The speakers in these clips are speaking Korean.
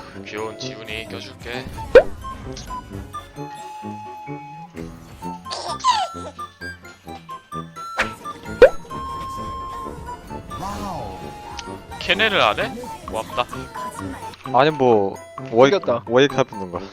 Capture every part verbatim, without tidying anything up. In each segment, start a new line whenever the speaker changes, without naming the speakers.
귀여운 지훈이 껴줄게. 케네를 안 해? 고맙다.
아니 뭐 워이
이겼다.
워이크 해보는 거.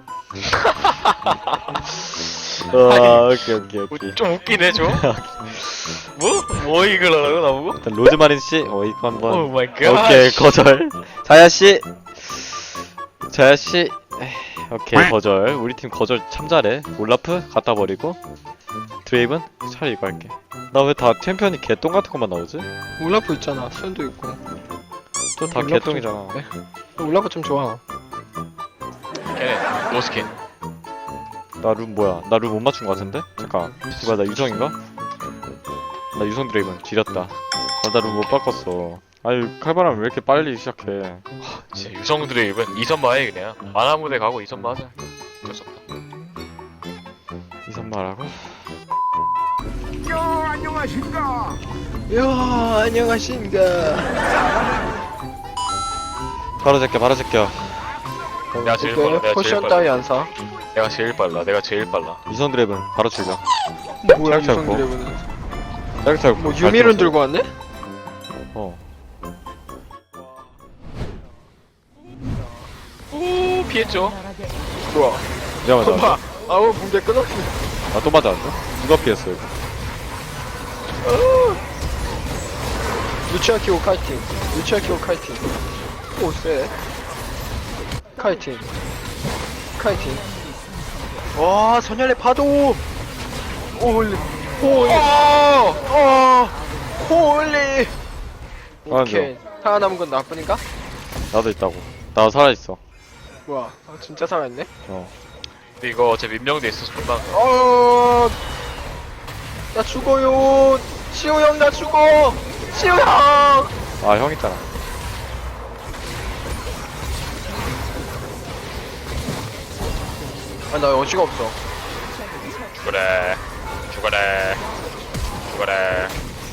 아 오케이 오케이 오케이.
좀 웃기네 좀. 뭐? 뭐 이걸 하라고 나보고?
일단 로즈마린 씨 워이크
오
한번.
마이 갓.
오케이 거절. 자야 씨. 자야 씨. 에이, 오케이 거절. 우리 팀 거절 참 잘해. 올라프 갖다 버리고. 드레이븐 차라리 이거 할게. 나 왜 다 챔피언이 개똥 같은 것만 나오지?
울라프 있잖아. 수현도 있고.
저 다
올라프
개똥이잖아.
좀- 네. 울라프 좀 좋아.
케네 노스킨.
나 룸 뭐야? 나 룸 못 맞춘 거 같은데? 잠깐. 씨발 나 유성인가? 나 유성 드레이븐 지렸다. 나 룸 못 바꿨어. 아니 칼바람 왜 이렇게 빨리 시작해?
진짜 유성 드레이븐 이선마해 그냥. 만화무대 가고 이선마 하자. 어쩔 수 없다.
이선마라고?
야, 안녕하신가?
이야, 안녕하신가.
바로 제껴 바로 제껴.
내가 제일 빨라.
오케이,
내가 제일
포션
빨라.
따위 안 사.
내가 제일 빨라. 내가 제일 빨라.
유성 드레이븐 바로 출격.
뭐야,
잘
유성
잡고.
드래곤은.
짤짤.
뭐, 유미론 들고 왔네?
어.
오 피했죠?
좋아.
내가 맞아.
봐. 아우, 붕대 끊었어.
아또 맞았는데? 누가 피했어 이거?
루치아 키고 카이팅. 루치아 키고 카이팅. 오, 쎄. 카이팅. 카이팅. 와, 선열의 파도! 홀리. 홀리. 어! 홀리. 오케이. 살아남은 건 나뿐인가?
나도 있다고. 나 살아 있어.
뭐야. 아, 진짜 살아있네?
어.
근데 이거 어차피 임명돼 있어서 금방.
어, 나 죽어요. 시호 형, 나 죽어. 시호 형.
아 형 있잖아.
아, 나 여지가 없어.
죽어래. 죽어래. 죽어래.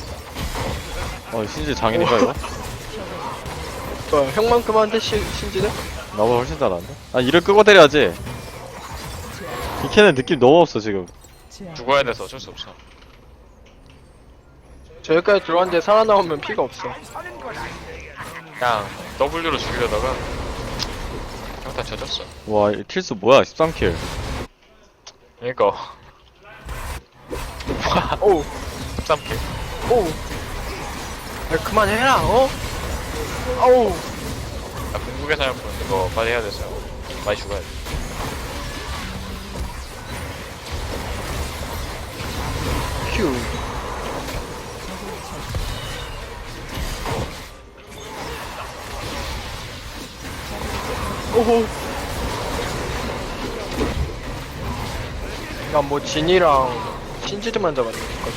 어 신지 장인인가 이거?
어, 형만큼한테 시, 신지는?
나보다 훨씬 잘하는데? 아 이를 끄고 때려야지. 이 캔은 느낌 너무 없어 지금.
죽어야 돼서 어쩔 수 없어.
저기까지 들어왔는데 살아나오면 피가 없어.
그냥 W로 죽이려다가 형다 젖었어.
와 이 킬수 뭐야? 십삼 킬.
그니까
오,
십삼 킬.
오. 야, 그만해라, 어? 아우.
나 궁극의 사냥꾼 이거 빨리 해야 돼서 많이 죽어야 돼.
휴. 오호. 야, 뭐, 진이랑 신지드만 잡았네.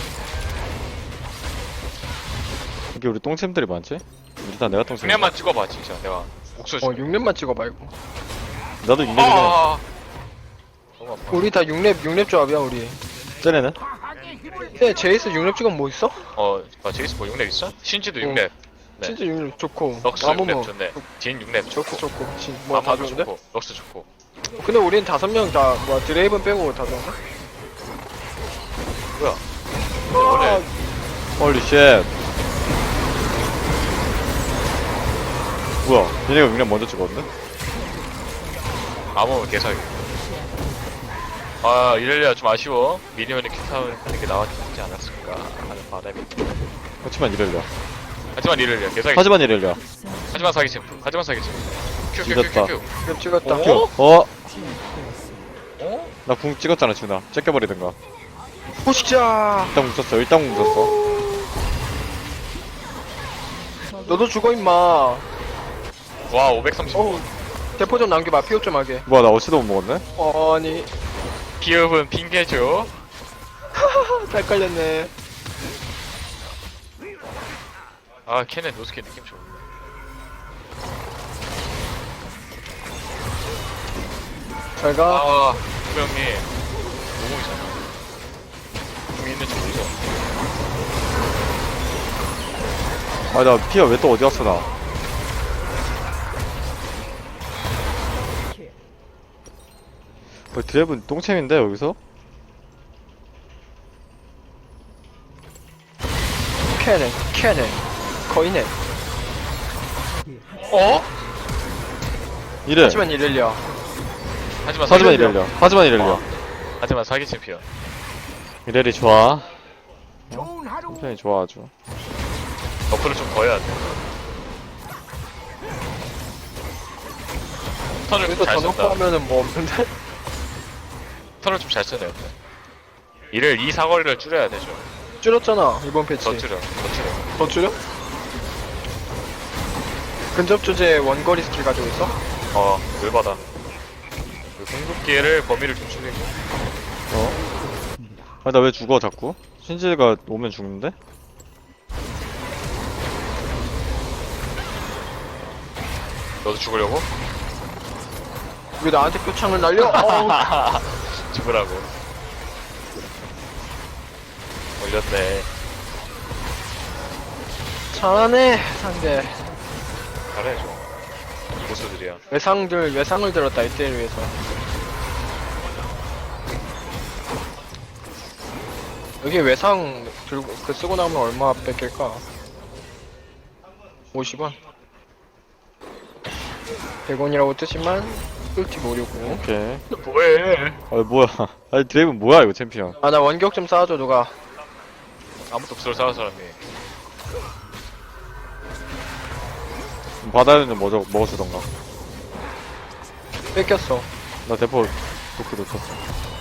이게 우리 똥챔들이 많지? 일단 내가 똥챔.
그냥만 찍어봐 진짜 내가 목소리.
어, 육 렙만 찍어봐, 이거.
나도 육렙이네.
아. 너무 아파.
우리 다 육 렙, 육 렙 조합이야, 우리.
쟤네는?
근데 제이스 육 렙 찍으면 뭐 있어?
어, 아, 제이스 뭐 육 렙 있어? 신지도 육 렙. 네.
진짜 육 렙 좋고.
럭스
아무
육 렙
뭐.
좋네. 진 육 렙
좋고,
좋고.
좋고. 진, 뭐야, 다
아마도
좋은데?
좋고. 럭스 좋고.
근데 우린 다섯 명 다, 뭐야, 드레이븐 빼고 다 좋은데?
뭐야? 근데 원래
홀리 쉣. 뭐야? 얘네가 육렙 먼저 찍었는데?
아무 개사기. 아, 이럴려야 좀 아쉬워. 미니언이 킥타운 하는 게 나왔지 않았을까 하는 바람이.
하지만 이럴려.
하지만 이럴려 개사기.
하지만 이럴려.
하지만 사기 챔프. 하지만 사기 챔프.
이겼다.
큐큐큐큐.
육 렙 찍었다.
어?
어?
어?
나 궁 찍었잖아 준아. 째껴버리든가.
보시자!
일단 궁 썼어. 일단 궁 썼어.
너도 죽어, 임마.
와, 오백삼십.
어우, 대포 좀 남겨봐. 피업 좀 하게.
뭐야 나 어시도 못 먹었네?
아니,
기업은 핑계죠.
잘 깔렸네.
아, 캐넨 노스킨 느낌 좋은데.
잘 가.
아, 분명히 노공이잖아. 공 있는 척 보이죠?
아 나 피가 왜 또 어디 갔어 나? 뭐 드랩은 똥챔인데 여기서?
캐네 캐네 거의네.
어?
이래.
하지만 이럴려.
하지만
하지만
사기-
이럴려. 하지만 이럴려.
하지만 사기 챔피언.
이래리 좋아. 굉장히 좋아 아주.
버프를 좀 더 해야 돼. 턴을
여기서
잘
더 놓고
쓴다.
하면은 뭐 없는데?
턴을 좀 잘 쓰네요. 이를 이 사거리를 줄여야 되죠.
줄였잖아 이번 패치.
더 줄여, 더 줄여.
더 줄여? 근접 조제 원거리 스킬 가지고 있어?
어, 열받아. 그 궁극기를 범위를 좀 줄이고.
어? 아 나 왜 죽어 자꾸? 신지가 오면 죽는데?
너도 죽으려고?
왜 나한테 표창을 날려? 어우,
죽으라고. 올렸네.
잘하네 상대.
잘해, 좀. 고수들이야.
외상들 외상을 들었다 이때를 위해서. 여기 외상 들고 그 쓰고 나면 얼마 뺏길까? 오십 원. 백 원이라고 뜨지만 끌티 모르고.
오케이.
뭐해?
아 뭐야? 아니 드랩은 뭐야 이거 챔피언?
아 나 원격 좀 쌓아줘 누가.
아무도 없어, 싸울 사람이.
바다에는 뭐 저- 먹어주던가.
뺏겼어.
나 대포 도끼 놓쳤어.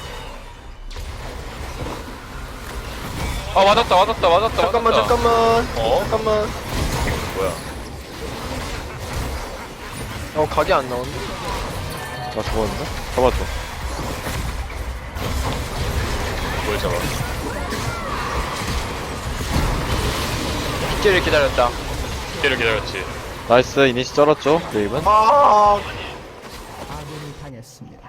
아, 맞았다, 맞았다, 맞았다.
잠깐만
맞았다.
잠깐만.
어?
잠깐만.
뭐야?
어 각이 안 나오는데?
나 죽었는데? 잡았어.
뭘 잡아?
빗질을 기다렸다.
때를 기다렸지.
나이스 이니시 쩔었죠 드랩은?
아
아군이 당했습니다.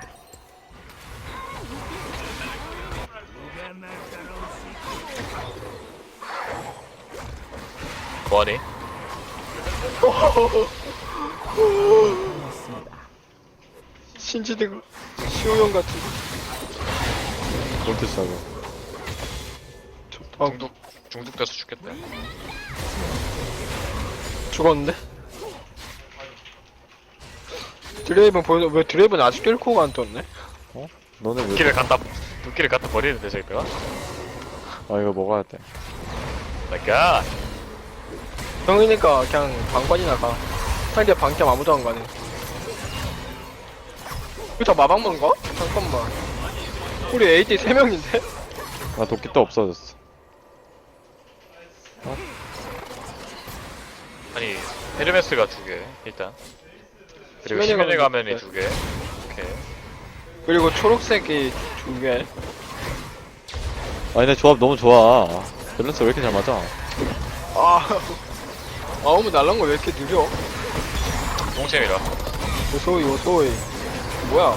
뭐하니?
당했습니다.
신지등 시호형 같은.
볼트 싸고.
아
중독, 중독돼서 죽겠다.
죽었는데? 드레이븐 보여. 왜 드레이븐 아직도 일 코가 안 떴네?
너네 왜?
도끼를 갖다, 도끼를 갖다 버리는데, 저기가?
아 이거 먹어야 돼.
마이 갓!
형이니까 그냥 방관이나 가. 상대 방캠 아무도 안 가네. 이거 다 마방만 가? 잠깐만. 우리 에이티 세 명인데?
나 도끼 또 없어졌어.
아니, 헤르메스가 두 개, 일단. 그리고
시면의
시면의
가면이
가면이 두 개. 오케이.
그리고 초록색이 두 개.
아니 내 조합 너무 좋아. 밸런스 왜 이렇게 잘 맞아?
아. 아우무 날란 거 왜 이렇게 느려?
똥챔이라.
요소이 요소이. 뭐야?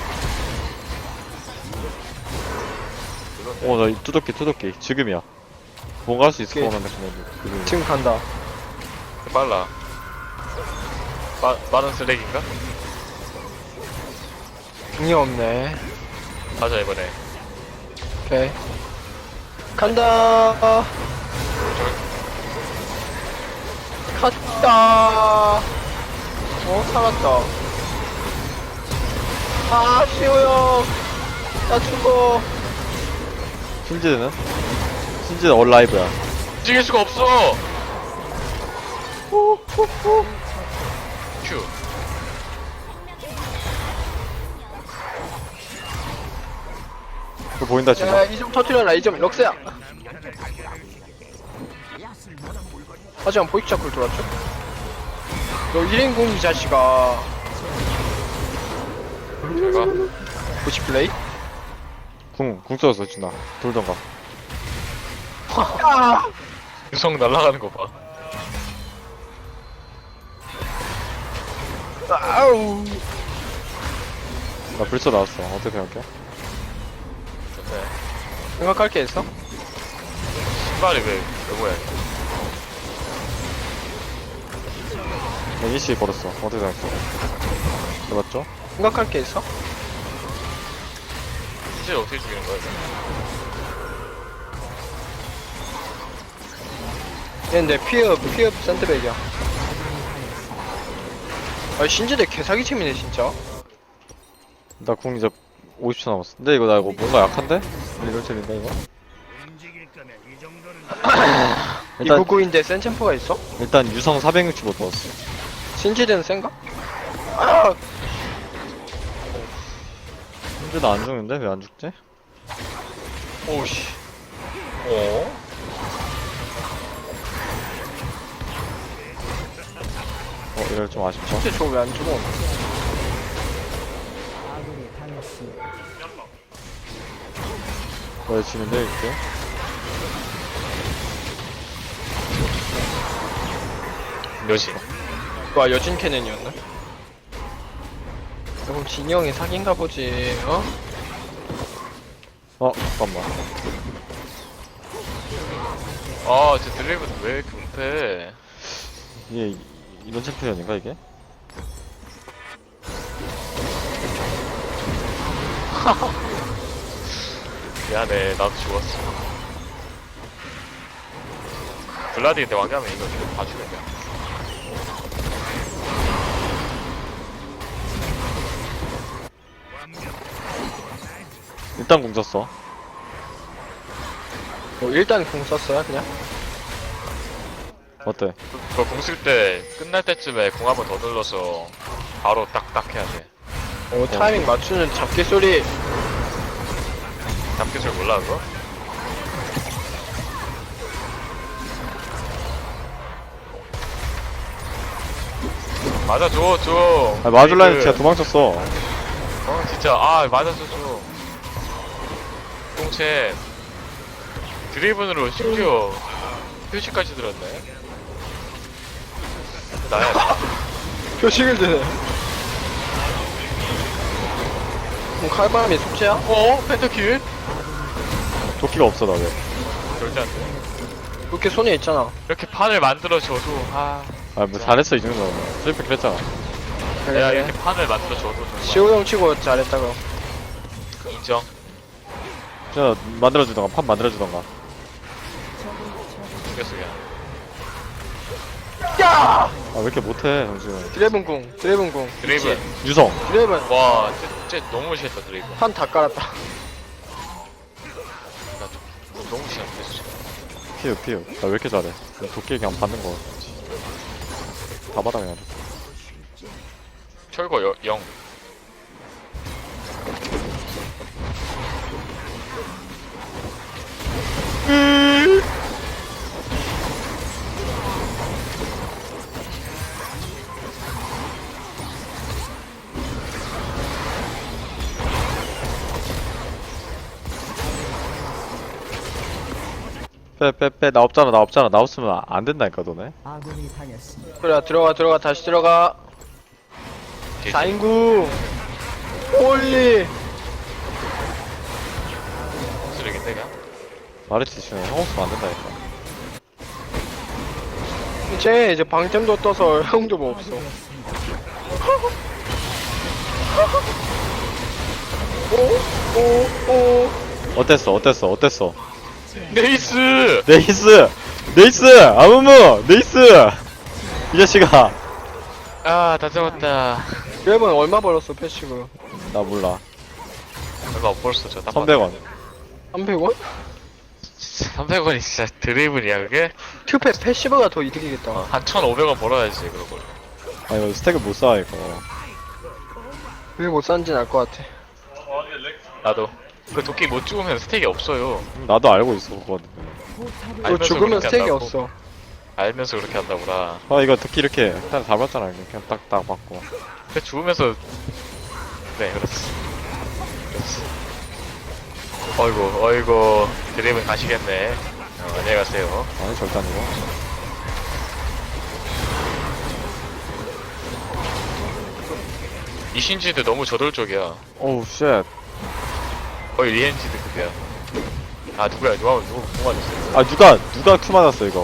어나 투도끼 투도끼 지금이야. 뭔가 할 수 있을
오케이.
것 같은데 그냥 지금.
지금 간다.
빨라. 빠, 빠른 쓰레기인가?
궁이 없네.
가자, 이번에.
오케이. 간다. 갔다. 어, 살았다. 아, 시호 형. 나 죽어.
신지는? 신지는 얼라이브야.
움직일 수가 없어!
후, 후, 후.
큐.
그거 보인다 지금.
야, 이 점 터트려라. 이 점 럭스야. 하지만 보이크 자크를 돌았죠? 너 일 인공 이 자식아.
제가.
구십 플레이?
궁, 궁 써서 준아. 돌던가.
아!
유성 날아가는 거 봐.
아우.
나 불써 나왔어. 어떻게 생각해?
좋네.
생각할 게 있어?
신발이 왜, 왜 뭐야.
이니시 걸었어. 어떻게 생각해? 해봤죠?
생각할 게 있어?
겐지를 어떻게 죽이는 거야? 이거?
얘는 내 피업 피업 센터백이야. 아 신지대 개사기 팀이네 진짜.
나 궁 이제 오십 초 남았어. 근데 이거 나 이거 뭔가 약한데? 이럴 줄인가 이거? 일단
이구구인데 센챔프가 있어?
일단 유성 사백육십오 넣었어.
신지대는 센가? 아
근데 나 안 죽는데 왜 안 죽지?
오씨. 어?
어 이럴 좀 아쉽죠.
진짜 저거 왜 안 죽어?
아군이 당했습니다.
왜 지는데 이렇게?
몇이?
와 여진 캐넨이었나? 그럼 진이 형이 사기인가 보지. 어?
어 잠깐만.
아, 저 드레이븐 왜 이렇게 못해?
이게 이- 이런 챔피언인가 이게?
미안해, 나도 죽었어. 블라디 근데 왕가면 이거 좀 봐주겠냐?
일단 공 썼어.
뭐 일단 공 썼어요 그냥?
어때?
그거 공 쓸 때 끝날 때쯤에 공 한 번 더 눌러서 바로 딱딱 해야 돼.
오 타이밍 맞추는 잡기 소리.
잡기 줄 몰라 그거? 맞아줘 줘.
아 마줄라인
그-
진짜 도망쳤어.
어 진짜 아 맞아줘 줘. 공채 드리븐으로 심지어 표시까지 들었네. 나야 나.
표식을 드네. 그럼 칼바람이 숙제야?
어? 펜타킬?
도끼가 없어 나 왜?
절대 안 돼.
그렇게 손에 있잖아.
이렇게 판을 만들어줘도 아
아 뭐 잘했어 이 정도면. 슬리per 그랬잖아.
내가 이렇게 판을 만들어줘도 정말
시호 형 치고 잘했다 그럼.
인정.
진짜 만들어주던가 판 만들어주던가.
죽였어 그냥.
야!
아 왜 이렇게 못해 정수는.
드래븐 궁, 드래븐 궁.
드레이븐.
유성.
드래븐
와, 쟤, 쟤 너무 싫다 드레이븐.
판 다 깔았다.
나 좀, 너무 싫은데 진짜.
피우 피우. 나 왜 이렇게 잘해? 그냥 도끼 그냥 받는 거. 다 받아 그냥.
철거 여, 영.
빼 빼 빼 나 없잖아 나 없잖아 나 없으면 안 된다니까 너네.
아군이 당했습니다.
그래 들어가 들어가 다시 들어가.
뒤에
사인구. 홀리.
쓰레기인데 그냥.
마르티 지금 형 없으면 안 된다니까.
이제 이제 방템도 떠서 형도 뭐 없어. 오, 오, 오.
어땠어 어땠어 어땠어?
네이스!
네이스! 네이스! 아무무! 네이스! 이 자식아!
아, 다 잡았다.
드래븐 얼마 벌었어 패시브?
나 몰라.
얼마 못 벌었어, 저. 딱
삼백 원.
삼백 원?
삼백 원이 진짜 드레이븐이야, 그게?
큐페 패시브가 더 이득이겠다.
한 천오백 원 벌어야지, 그런 걸.
아 이거 스택을 못 쌓아 이거.
왜 못 산지는 알 것 같아.
나도. 그 도끼 못 죽으면 스택이 없어요.
음, 나도 알고 있어 그건.
너
알면서
죽으면
그렇게
스택이
한다고.
없어.
알면서 그렇게 한다구나.
아 이거 특히 이렇게 딱 잡았잖아 이렇게 그냥 딱딱 맞고.
근데 죽으면서. 네, 그렇지. 그렇지. 어이구, 어이구. 드레이븐 가시겠네. 어, 안녕히 가세요.
아니 절대 아니고.
이 신지도 너무 저돌적이야.
오우 쉣.
거의 리엔지드 급이야. 아, 누구야? 누가, 누구, 누가 맞았어?
아 누가 누가 큐 맞았어 이거.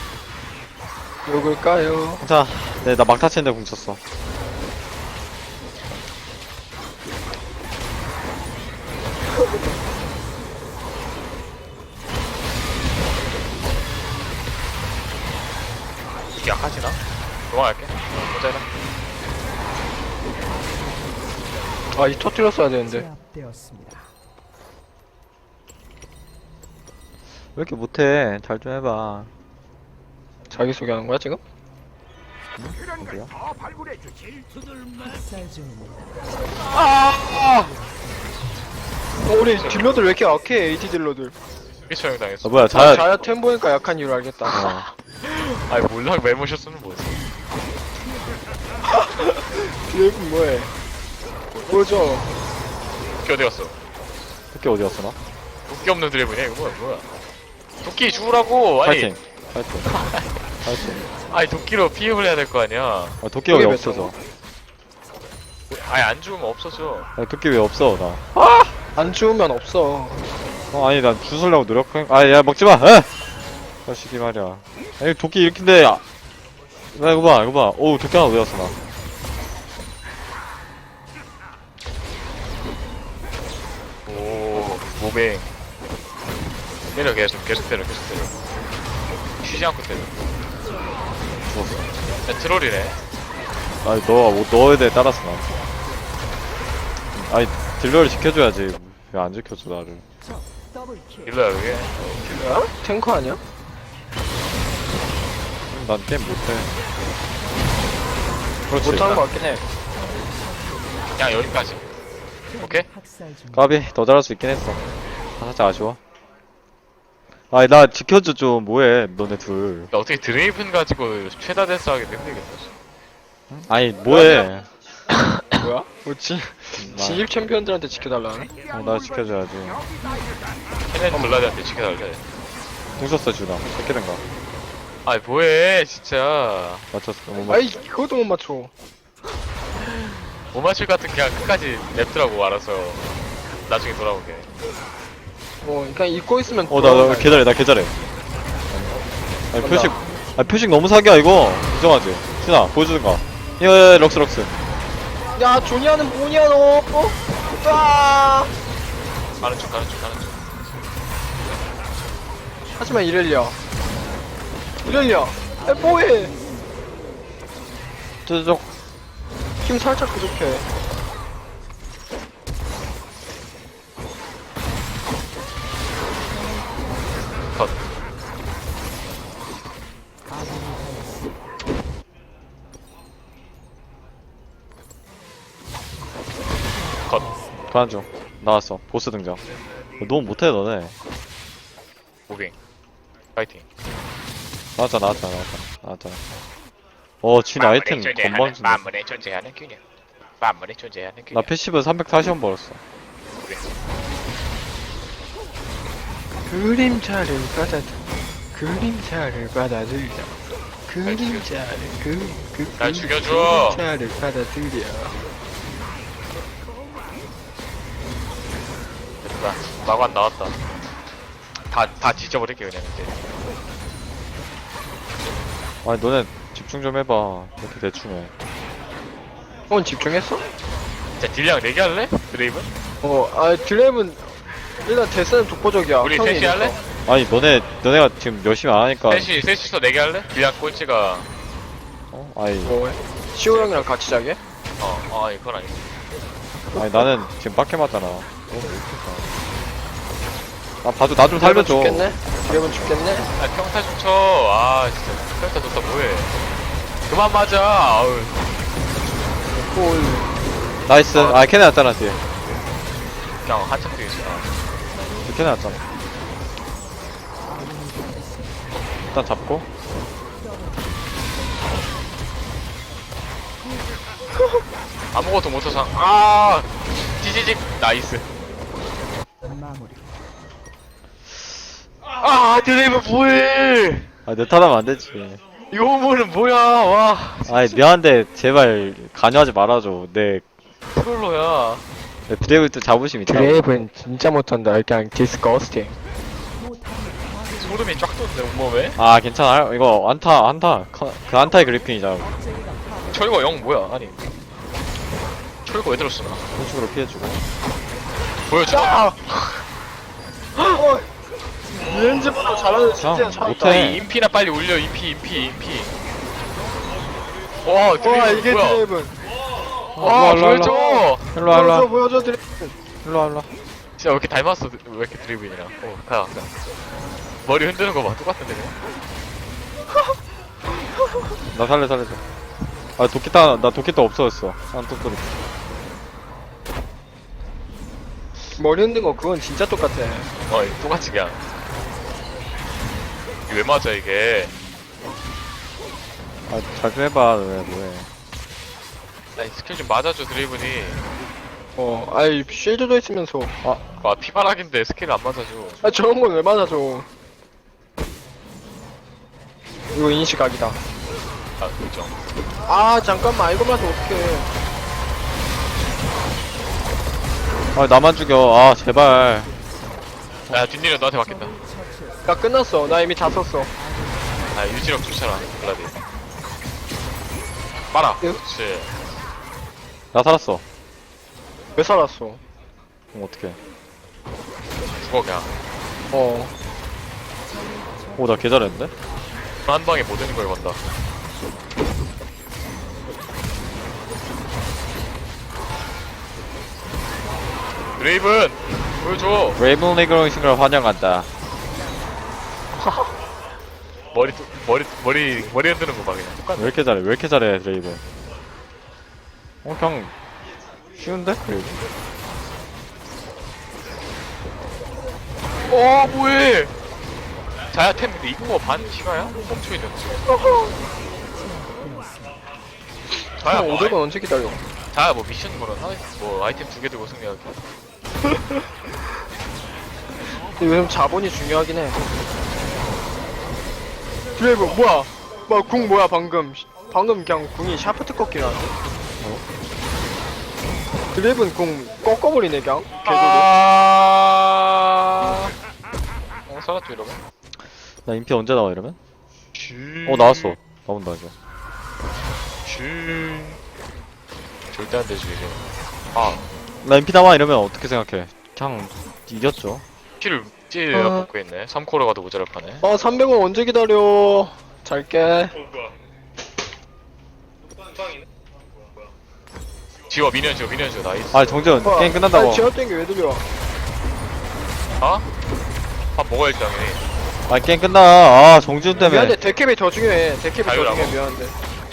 누굴까요?
자, 네 나 막타 치는데 궁쳤어.
아, 이 터뜨렸어야 되는데.
제압되었습니다.
왜 이렇게 못해? 잘 좀 해봐.
자기소개하는 거야, 지금?
어디야?
학살 중입니다.
아! 어, 우리 딜러들 왜 이렇게 약해, 에이티 딜러들.
이게 처형 당했어.
아 뭐야
아,
자야.
자야 템 보니까 약한 이유를 알겠다.
어.
아니 몰라 메모셨으면 뭐지?
드레이븐 뭐해? 보여줘.
도끼 어디 갔어?
토끼 어디 갔어 나?
도끼 없는 드래곤이야 이거 뭐야 뭐야? 도끼 죽으라고 아니
파이팅. 파이팅. 파이팅.
아니 도끼로 피흡을 해야 될 거 아니야?
아 토끼가 왜
몇
없어져?
아니 안 죽으면 없어져.
아 토끼 왜 없어 나?
안 주우면 없어.
어 아니 난 주술려고 노력한. 아야 먹지 마. 에! 자식이 말이야. 아니 도끼 이렇게인데. 아, 나 이거 봐 이거 봐. 오 도끼 하나 어디 갔어 나?
오 모뱅. 때려 계속 계속 때려 계속 때려. 쉬지 않고 때려.
죽었어.
야, 트롤이네.
아니 너 너에 대해 따랐어 나. 아니 딜러를 지켜줘야지. 왜 안 지켜줘 나를?
더블킬.
일러야 그게.
뭐야? 탱커 아니야?
난 게임 못해. 그렇지.
못하는 거 같긴 해.
그냥 여기까지. 오케이?
학살 중.
까비 더 잘할 수 있긴 했어. 아, 살짝 아쉬워. 아니 나 지켜줘 좀 뭐해 너네 둘.
야, 어떻게 드레이븐 가지고 최다 댄스 하기 힘들겠다.
아니 뭐해?
뭐야? 뭐지?
나,
진입 챔피언들한테 지켜달라는?
어, 나 지켜줘야지.
케넨 블라드한테 지켜달래.
궁 썼어 준아. 새끼든가.
아이 뭐해 진짜.
맞췄어. 못 맞.
아이, 그것도 못 맞춰.
못 맞출 것 같은 그냥 끝까지 냅두라고 알아서 나중에 돌아오게.
뭐, 그냥 잊고 있으면.
어나 나
돌아온다.
개잘해 나 개잘해. 아니
간다.
표식. 아 표식 너무 사기야 이거. 인정하지? 준아 보여주든가. 예 럭스 럭스.
야, 조니아는 뭐냐, 너? 어? 아!
가는 중 가는 중 가는 중.
하지만 이렐리아. 이렐리아. 야, 뭐해?
저쪽.
힘 살짝 부족해.
컷. 컷.
도안 중. 나왔어. 보스 등장. 너무 못해 너네.
무빙. 파이팅.
나왔잖아 나왔잖아 나왔잖아 나왔잖아. 어, 진 아이템 건방 주네.
만물에 존재하는 균형. 만물에 존재하는
나
균형.
패시브 삼백사십 원 벌었어.
그림자를 받아들 그림자를 받아들여 그림자를 그, 그,
날 죽여줘.
그림자를 받아들여.
됐다. 마관 나왔다. 다, 다 뒤져버릴게 그냥 이제.
아니 너네 집중 좀 해봐. 이렇게 대충 해.
어, 집중했어?
자 딜량 네 개 할래? 드레이븐?
어, 아, 드랩은 일단 데스는 독보적이야.
우리
형이
셋이 할래?
이래서.
아니 너네 너네가 지금 열심히 안 하니까.
셋이 셋이서 네 개 할래? 딜량 꼴찌가
어? 아니
뭐해? 시호 형이랑 같이 자게?
어, 아 이건 아니지.
아니 나는 지금 빡게 맞잖아. 너무 못했다. 아 봐줘 나 좀 살려줘.
죽겠네? 드랩은 죽겠네?
아 평타 좀 쳐. 아 진짜 평타 좋다 뭐해. 그만 맞아. 아우.
골.
나이스. 아 캐네 왔잖아 뒤에.
그냥 한참 뛰있어
뒤에 캐네 왔잖아. 일단 잡고.
아무것도 못해서 아 찌지직 나이스.
마무리.
아 드레이븐 뭐해?
아내 탓하면 안 되지.
이 호물은 뭐야? 와
아니 미안한데 제발 관여하지 말아줘. 내,
트롤러야.
내 드래곤 때 자부심 있다.
드랩은 진짜 못한다. 그냥 디스커스팅.
소름이 쫙 돋네 온몸에.
아 괜찮아. 이거 안타 안타. 그 안타의 그리핀이잖아.
철거 영 뭐야? 아니 철거 왜 들었어?
공식으로 피해주고.
보여줘.
야! 어! 렌즈보다 잘하는 진짜
그냥
잘한다.
못해.
이 인피나 빨리 올려. 인피 인피 인피. 와 드레이븐
와, 이게
뭐야?
드랩은.
와
일로와, 일로와.
보여줘.
일로와, 일로와.
보여줘 보여줘 드레이븐.
일로와, 일로와.
진짜 왜 이렇게 닮았어? 왜 이렇게 드리블이랑? 어, 가, 가. 머리 흔드는 거 봐, 똑같은데 그냥?
나 살려, 살려줘. 아, 도끼타, 나 도끼타 없어졌어. 안 떴더니.
머리 흔든 거 그건 진짜 똑같아.
어, 이거 똑같이 그냥. 이게 왜 맞아 이게?
아, 잘 좀 해봐, 왜, 뭐해.
아니 스킬 좀 맞아줘 드리블이.
어, 아이 쉴드도 있으면서.
와 피바락인데 스킬 안 맞아줘.
아 저런 건 왜 맞아줘? 이거 인식각이다.
아 그죠.
아 잠깐만 이거 맞으면 어떡해.
아, 나만 죽여. 아, 제발.
야 뒷일은 너한테 맡긴다.
나 끝났어. 나 이미 다 썼어.
아 유지력 좋잖아 블라디. 빨아.
예?
그렇지.
나 살았어.
왜 살았어?
그럼 어떡해.
죽어 그냥.
어.
오, 나 개잘했는데?
한 방에 못 되는 걸 건다. 드레이븐 보여줘.
레이븐 리그로 싱글 환영한다.
머리 또- 머리 머리 머리 흔드는 거 봐 그냥. 똑같네.
왜 이렇게 잘해? 왜 이렇게 잘해, 레이븐? 어, 그냥 쉬운데? 레이븐.
어 뭐해? 자야 템 근데 이거 반 시가야? 멈춰 있는데. 자야
형
뭐
오백 원 언제 기다려?
아이- 자야 뭐 미션 거는 하나 뭐 아이템 두 개 들고 승리하기.
요즘 자본이 중요하긴 해. 드레이븐 뭐야? 뭐야 궁 뭐야 방금? 방금 그냥 궁이 샤프트 꺾기 나왔네. 드레이븐 궁 꺾어버리네 그냥. 개소리.
아. 어 살았죠 이러면?
나 인피 언제 나와, 이러면?
슈.
어, 나왔어. 나온다, 이제.
슈. 절대 안 되지 이제. 아
나 인피 나와, 이러면 어떻게 생각해? 그냥 이겼죠.
키를 찌르
어.
먹고 있네. 삼 코로 가도 모자랄 파네.
어 삼백 원 언제 기다려? 잘게.
지워 미니언 지워 미니언 지워 나이스.
아, 정재훈,
뭐야?
게임 끝난다고.
아니 제어된 게 왜 들려?
어? 밥 먹어야지 당연히.
아, 게임 끝나. 아, 정재훈 때문에.
미안한데 데캡이 더 중요해. 데캡이 더
자유라고?
중요해. 미안한데.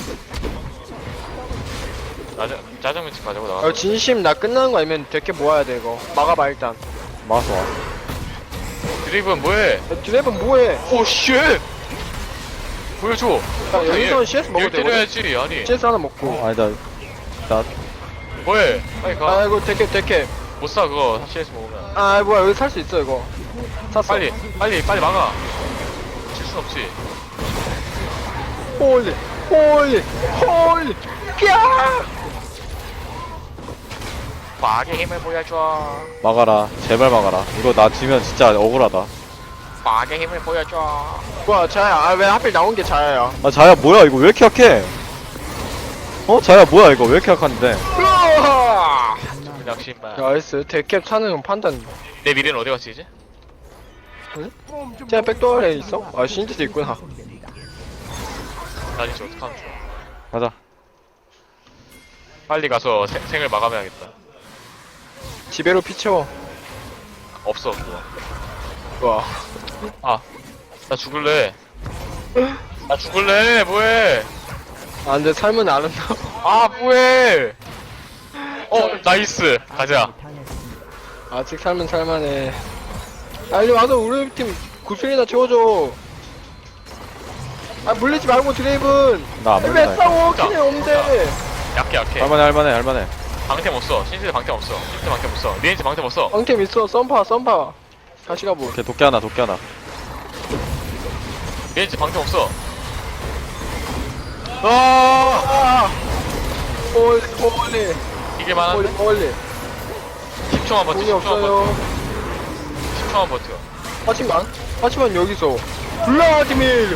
짜장 짜장면집 가자고 나가.
아, 진심 나 끝나는 거 아니면 데캡 모아야 돼 이거. 막아봐 일단.
막았어, 와.
드리븐 뭐해?
야, 드레이븐 뭐해?
오 쉣! 보여줘.
야, 여기서는 씨에스 먹어도
얘
되거든.
때려야지 아니.
씨에스 하나 먹고.
어, 아니다. 나,
뭐해? 빨리 가.
아이고 데캡 데캡.
못 사 그거 씨에스 먹으면.
아 뭐야 여기 살 수 있어 이거. 샀어.
빨리 빨리 빨리 막아. 질 순 없지.
홀리 홀리 홀리. 야!
과학의 힘을 보여줘.
막아라. 제발 막아라. 이거 나 지면 진짜 억울하다.
과학의 힘을 보여줘.
뭐야 자야. 아 왜 하필 나온 게 자야야?
아, 자야, 뭐야, 이거 왜 이렇게 약해? 어? 자야, 뭐야, 이거 왜 이렇게 약한데?
으아!
낚시만.
나이스 데캡 사는 건 판단.
내 미래는 어디 갔지 이제?
쟤 백도어에 있어? 아 신지도 있구나.
나 이제 어떡하면 좋아.
가자.
빨리 가서 생, 생을 마감해야겠다.
지배로 피 채워.
없어 그거.
와.
아, 나 죽을래. 나 죽을래. 뭐해?
아 근데 삶은 아름다워.
아, 뭐해? 어, 나이스. 가자.
아직 삶은 살만해. 아 이리 와서 우리 팀 구슬이나 채워줘. 아 물리지 말고 드레이븐.
나 안
왜
물린다.
싸워?
자,
키네 없는데.
약해, 약해.
할만해, 할만해, 할만해.
방템 없어. 신세대 방템 없어. 신세대 방템 없어. 리엔지 방템 없어.
방템 있어. 썸파 썸파. 다시 가보.
오케이, 도끼 하나, 도끼 하나.
리엔지 방템 없어.
아! 홀리 홀리
이게
홀리
많은데?
홀리.
십 초만 버텨.
돈이
십 초만 버텨.
없어요.
십 초만 버텨.
하지만 하지만 여기서 블라디미르.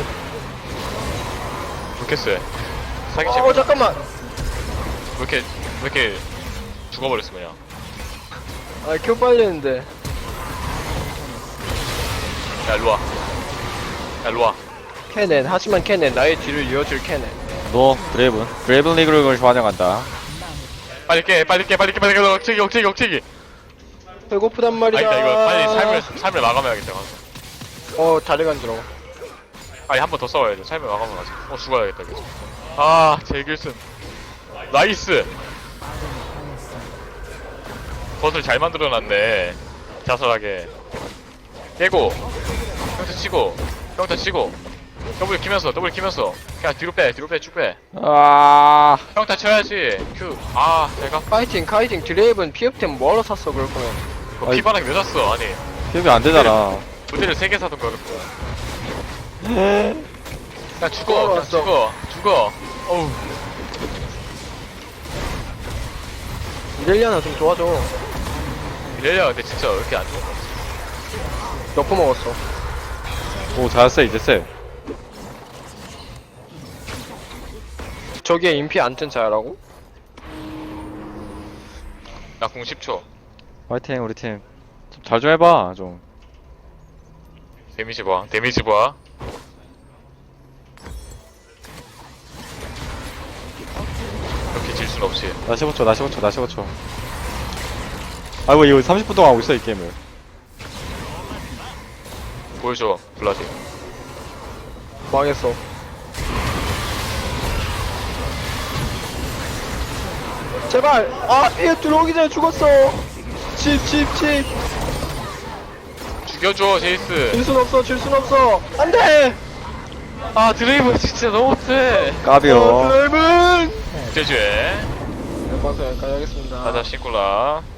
좋겠어요. 사기치.
어 잠깐만.
왜 이렇게, 왜 이렇게 죽어버렸어, 그냥.
아 큐 빨리 했는데.
야, 일로와. 야, 일로와.
캐넨 하지만 캐넨 나의 뒤를 이어줄 캐넨.
너, 드레이븐. 드레이븐 리그를 환영한다.
빨리 깨 빨리 깨 빨리 깨 빨리 깨 억제기 억제기 억제기.
배고프단 말이야.
아니다 이거 빨리 삶을 삶을 마감해야겠다.
어 다리 간지러워.
아니 한 번 더 싸워야 돼. 삶을 마감을 하자. 어 죽어야겠다 계속. 아 제길슨 나이스. 겉을 잘 만들어놨네. 자살하게 깨고 평타 치고 평타 치고 더블 키면서 더블 키면서 그냥 뒤로 빼 뒤로 빼 쭉 빼.
아
평타 쳐야지. 큐. 아 내가
파이팅 카이팅 드레이븐 피업템 뭐하러 샀어 그럴 거면.
그 피바닥 왜 샀어? 아니
기억이 안 되잖아.
부대를 세 개 사던 거를.
네.
야 죽어 그냥 죽어 죽어. 어우
이렐리아나 좀 도와줘.
이래야 근데 진짜 왜 이렇게 안 좋은 거야?
몇 포 먹었어.
오 잘했어 이제 쎄.
저기에 인피 안 뜬 자야라고?
나공 십 초.
화이팅 우리 팀. 좀 잘 좀 해봐 좀.
데미지 봐 데미지 봐. 이렇게 질 순 없지.
나 십오 초 나 십오 초 나 십오 초. 아이고 이거 삼십 분 동안 하고 있어 이 게임을.
보여줘 블라디.
망했어. 제발! 아! 얘 들어오기 전에 죽었어! 칩, 칩, 칩!
죽여줘 제이스.
질 순 없어, 질 순 없어! 안 돼!
아 드레이브 진짜 너무 세.
까비요.
어, 드레이븐!
제주에
네, 방송 여기까지 하겠습니다.
가자 싱콜라.